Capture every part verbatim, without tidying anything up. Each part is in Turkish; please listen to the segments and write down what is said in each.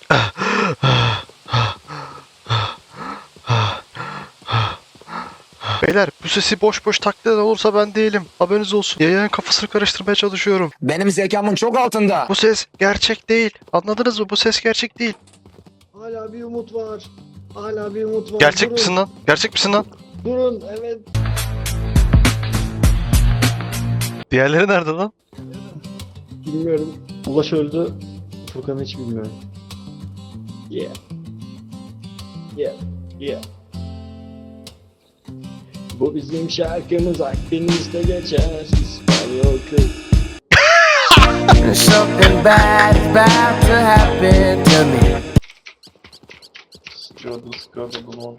Beyler bu sesi boş boş taklit eden olursa ben değilim. Haberiniz olsun. Yayının kafasını karıştırmaya çalışıyorum. Benim zekamın çok altında. Bu ses gerçek değil. Anladınız mı? Bu ses gerçek değil. Hala bir umut var. Hala bir umut var. Gerçek Durun. misin lan? Gerçek misin lan? Durun, evet. Diğerleri nerede lan? Bilmiyorum. Ulaş öldü. Furkan'ı hiç bilmiyorum. Yeah. Yeah. Yeah. Bu bizim şarkımız Akdeniz'de geçer. İspanyol kız. Something bad is about to happen to me. Sıkıyordu sıkıyordu bunu.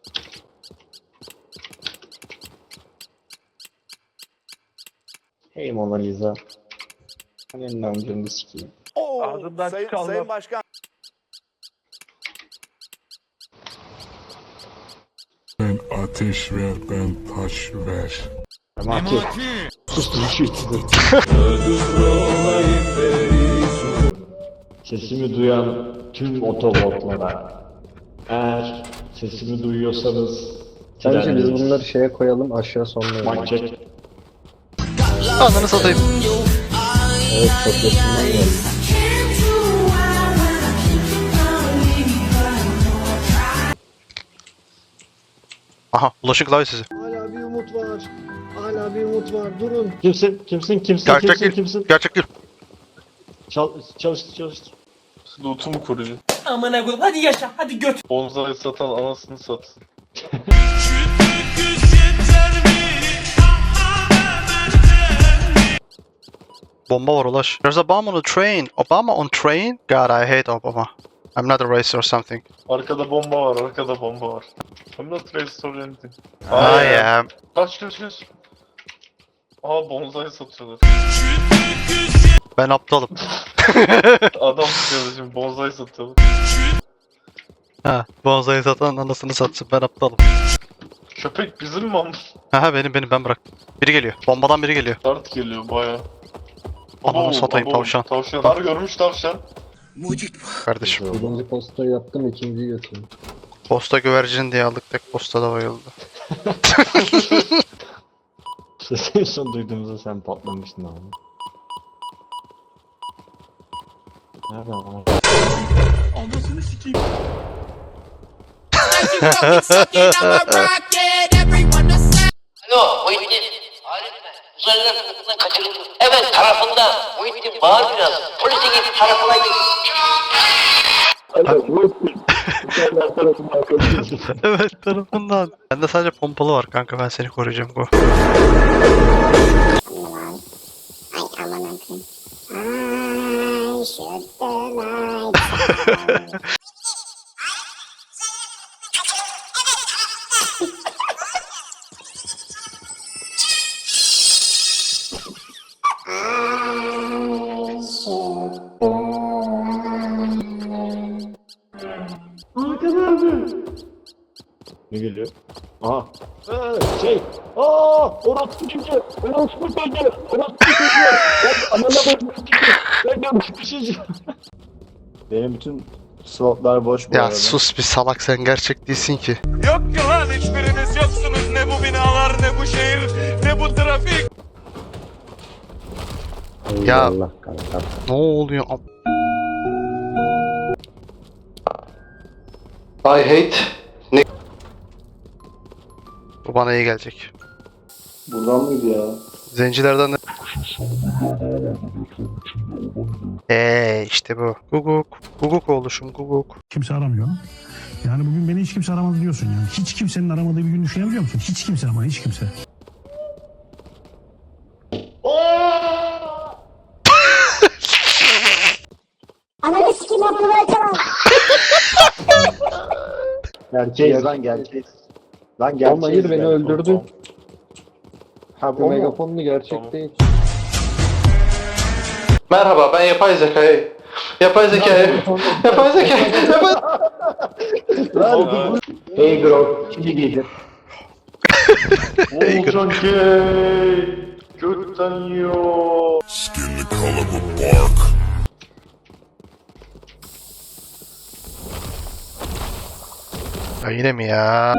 Hey Mona Lisa. Senin amcanı sikeyim. Ardından Sayın, çıkanlar. Sayın Başkan. Ben ateş ver, ben taş ver. Memati. Sustur şu içinde. Sesimi duyan tüm otobotlara. Eğer sesimi duyuyorsanız Bence biz bunları şeye koyalım, aşağı sonlayalım. Mançek. Ananı satayım. Evet, çok yakından geldi. Aha ulaşın klavye sesi. Hala bir umut var. Hala bir umut var. Durun. Kimsin? Kimsin? Kimsin? Gerçek kimsin? değil. Kimsin? Gerçek değil. Çal çalıştır çalıştır. Loot'u mu kurucu? Amına koyayım hadi yaşa hadi göt. Bonzai satan anasını satsın. Bomba var ulaş. There's a bomb on the train. Obama on train? God, I hate Obama. I'm not a racist or something. Arkada bomba var, arkada bomba var. I'm not racist or anything. I am. Kaç kaç kaç. Aa bonzai satıyorlar. Ben aptalım. Adam tutuyordu şimdi bonzai satıyorlar. Ha, bonsai satan anasını satsın, ben aptalım. Köpek bizim mi almış? Ha benim benim ben bıraktım. Biri geliyor. Bombadan biri geliyor. Dart geliyor baya. Ananı satayım, tavşan. Tavşan. Dar görmüş tavşan. Kardeşim. Birinci postayı yaptım, ikinciyi götürdüm. Posta güvercin diye aldık, tek postada bayıldı. En son duyduğumuzda sen patlamıştın abi. Nerede ama? Alo Muhittin. Arif ben. Uzaylılar tarafından kaçırıldı. Evet tarafında. Muhittin bağır biraz. Polise git tarafına git. Evet tarafından. Bende sadece pompalı var kanka, ben seni koruyacağım Go. Ne geliyor? Aha. Ee, şey. Aa, orospu çocuğu. Orospu çocuğu. Orospu çocuğu. Ben anana bakmışım. Ben yapmışım. Benim bütün slotlar boş bu Ya arada. sus bir salak, sen gerçek değilsin ki. Yok ki lan hiçbiriniz yoksunuz. Ne bu binalar ne bu şehir ne bu trafik. Ya. Allah kanka. Ne oluyor? I hate. Bu bana iyi gelecek. Buradan mıydı ya? Zencilerden de... Eee işte bu. Guguk. Guguk oluşum guguk. Kimse aramıyor. Yani bugün beni hiç kimse aramadı diyorsun yani. Hiç kimsenin aramadığı bir gün düşünebiliyor musun? Hiç kimse ama hiç kimse. Ananı sikim yapmaya çalan. Gerçeğiz lan, gerçeğiz. Lan gerçeğiz. Ama hayır, beni öldürdü. Ha bu megafonlu gerçek Tamam. değil. Merhaba, ben yapay zekayı. Yapay zekayı. Yapay zekayı. Yapay... Hey bro, şimdi gelir. Olcan gay. Gökten yiyor. Skin the color of bark. Ya yine mi ya?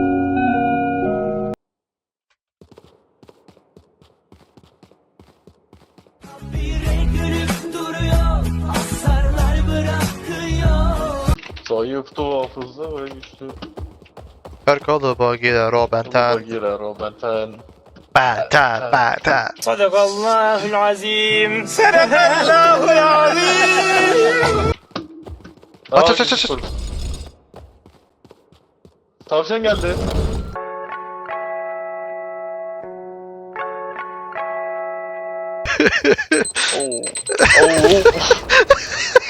Zayıftı hafızda ve güçlü. Perkalı bagiler o benten. Girer o benten. Benten benten. Sadakallahul azim. Sadakallahul azim. Aç aç aç aç. Tavşan geldi. Oo. Oo.